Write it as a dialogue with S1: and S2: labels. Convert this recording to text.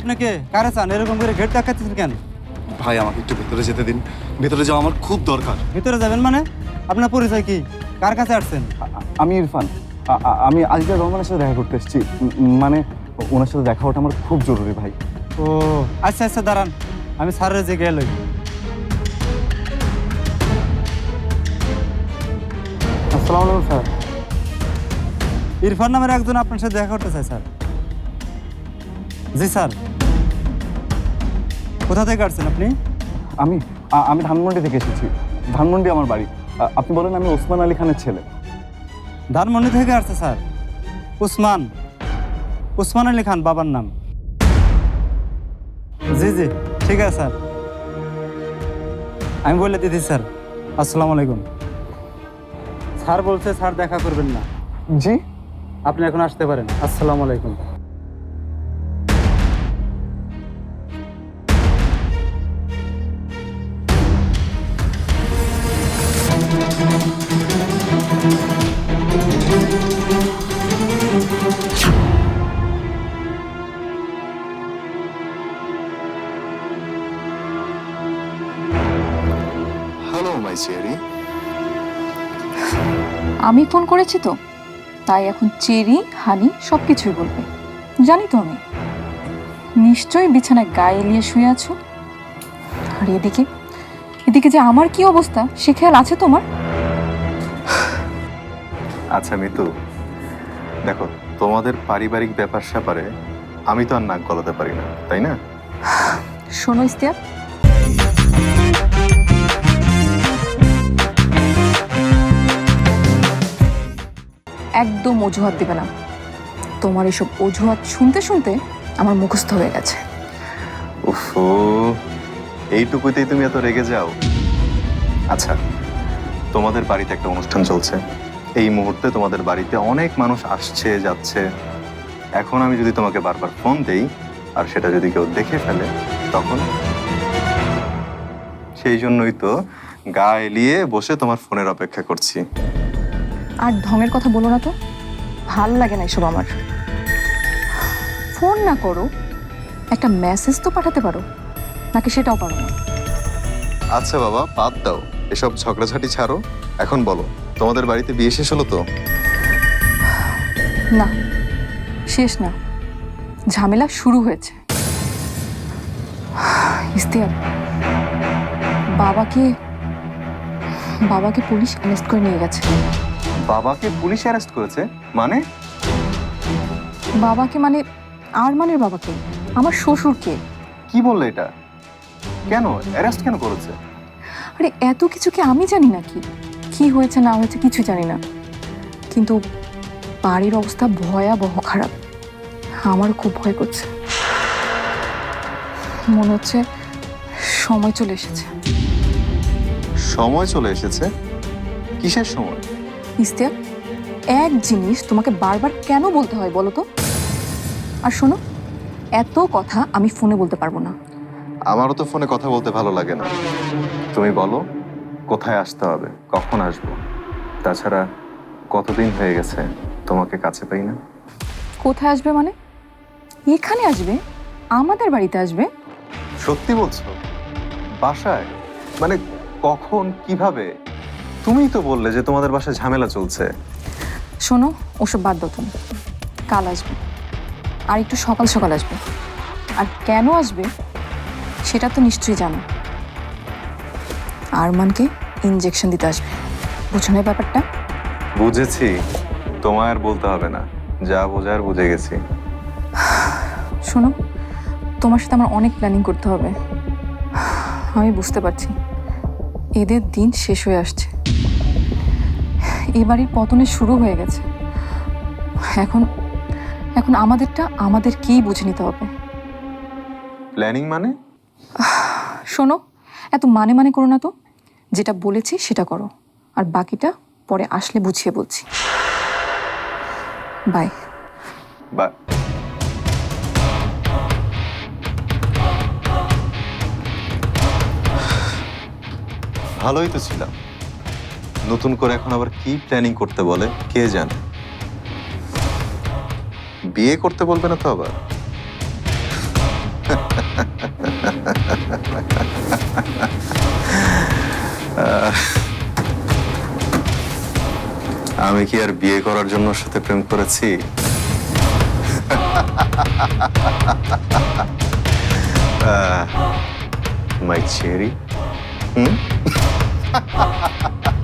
S1: আপনি কে কারে চান এরকম করে গেট দেখাচ্ছেন কেন?
S2: ভাই আমাকে একটু ভেতরে যেতে দিন, ভেতরে যাওয়া আমার খুব দরকার।
S1: ভিতরে যাবেন মানে? আপনার পরিচয় কি? কার কাছে আসছেন?
S3: আমি ইরফান। আমি আজিজা রহমানের সাথে দেখা করতে এসেছি। মানে ওনার সাথে দেখা ওটা আমার খুব জরুরি ভাই।
S1: ও আচ্ছা আচ্ছা, দাঁড়ান, আমি স্যারের যে গেল।
S3: আসসালামু আলাইকুম স্যার।
S1: ইরফান নামের একজন আপনার সাথে দেখা করতে চাই স্যার। জি স্যার। কোথা থেকে আসছেন আপনি?
S3: আমি আমি ধানমন্ডি থেকে এসেছি। ধানমন্ডি আমার বাড়ি। আপনি বলেন আমি ওসমান আলী খানের ছেলে।
S1: ধানমন্ডি থেকে আসছে স্যার। উসমান উসমান আলী খান বাবার নাম। জি জি ঠিক আছে স্যার, আমি বলে দিদি স্যার। আসসালামু আলাইকুম। স্যার বলছে স্যার দেখা করবেন না,
S3: জি?
S1: আপনি এখন আসতে পারেন। আসসালামু আলাইকুম।
S2: Hello my cherry.
S4: আমি ফোন করেছি তো, তাই এখন চেরি হানি সব কিছুই বলবে। জানি তো আমি নিশ্চয়ই বিছানায় গায়ে এলিয়ে শুয়ে আছো। আর এদিকে এদিকে যে আমার কি অবস্থা সে খেয়াল আছে তোমার?
S5: আচ্ছা মিতু, দেখো তোমাদের পারিবারিক ব্যাপার স্যাপারে আমি তো আর নাক গলাতে পারি না, তাই না?
S4: শোনো ইস্তিয়াক, একদম অজুহাত দিবে না। তোমার এসব অজুহাত শুনতে শুনতে আমার মুখস্থ হয়ে গেছে।
S5: উফো, এইটুকুতেই তুমি এত রেগে যাও? আচ্ছা, তোমাদের বাড়িতে একটা অনুষ্ঠান চলছে। এই মুহূর্তে তোমাদের বাড়িতে অনেক মানুষ আসছে যাচ্ছে। এখন আমি যদি তোমাকে বারবার ফোন দেই আর সেটা যদি কেউ দেখে ফেলে, তখন? সেই জন্যই তো গা এলিয়ে বসে তোমার ফোনের অপেক্ষা করছি।
S4: আর ঢঙের কথা বলো না তো, ভাল লাগে না এসব আমার। ফোন না করো, একটা মেসেজ তো পাঠাতে পারো, নাকি সেটাও পারো না?
S5: আচ্ছা বাবা, বাদ দাও এসব ঝগড়াঝাটি ছাড়ো। এখন বলো, তোমাদের বাড়িতে বিয়ে শেষ হলো তো?
S4: না, শেষ না, ঝামেলা শুরু হয়েছে। ইস্তিয়াক, বাবাকে বাবাকে পুলিশ অ্যারেস্ট করে নিয়ে গেছে।
S5: বাবাকে পুলিশ অ্যারেস্ট করেছে? মানে?
S4: বাবাকে মানে আরমানের বাবাকে, আমার শ্বশুরকে।
S5: কি বললে এটা? কেন অ্যারেস্ট কেন করেছে?
S4: আরে এত কিছু কি আমি জানি নাকি? কি হয়েছে না হয়েছে কিছু জানি না, কিন্তু বাড়ির অবস্থা ভয়াবহ খারাপ। আমারও খুব ভয় করছে, মনে হচ্ছে সময় চলে এসেছে।
S5: সময় চলে এসেছে? কিসের সময়?
S4: ইস্তিয়াক, এক জিনিস তোমাকে বারবার কেন বলতে হয় বলো তো? আর শোনো, এত কথা আমি ফোনে বলতে পারবো না।
S5: আমারও তো ফোনে কথা বলতে ভালো লাগে না। তুমি বলো কোথায় আসতে হবে, কখন আসবো? তাছাড়া কতদিন হয়ে গেছে তোমাকে কাছে পাই না।
S4: কোথায় আসবে মানে? এখানে আসবে? আমাদের বাড়িতে আসবে?
S5: সত্যি বলছো? বাসায়? মানে কখন, কিভাবে? তুমিই তো বললে যে তোমাদের বাসায় ঝামেলা চলছে।
S4: শোনো, ওসব বাদ দাও তুমি। কাল আসবে, আর একটু সকাল সকাল আসবে। আর কেন আসবে সেটা তো নিশ্চয়ই জানো। আরমানকে ইনজেকশন দিতে আসবে, বুঝো না ব্যাপারটা?
S5: বুঝেছি, তোমায় আর বলতে হবে না, যা বোঝার বুঝে গেছি।
S4: শোনো, তোমার সাথে আমার অনেক প্ল্যানিং করতে হবে। আমি বুঝতে পারছি এদের দিন শেষ হয়ে আসছে, এবারই পতনের শুরু হয়ে গেছে। এখন এখন আমাদেরটা আমাদেরকেই বুঝে নিতে হবে।
S5: প্ল্যানিং মানে?
S4: শোনো, এত মানে মানে করো না তো। যেটা বলেছি সেটা করো, আর বাকিটা পরে আসলে বুঝিয়ে বলছি। বাই।
S5: বা ভালোই তো ছিলাম, নতুন করে এখন আবার কি প্ল্যানিং করতে বলে কে জানে। বিয়ে করতে বলবে না তো আবার? আমি কি আর বিয়ে করার জন্য ওর সাথে প্রেম করেছি? My cherry.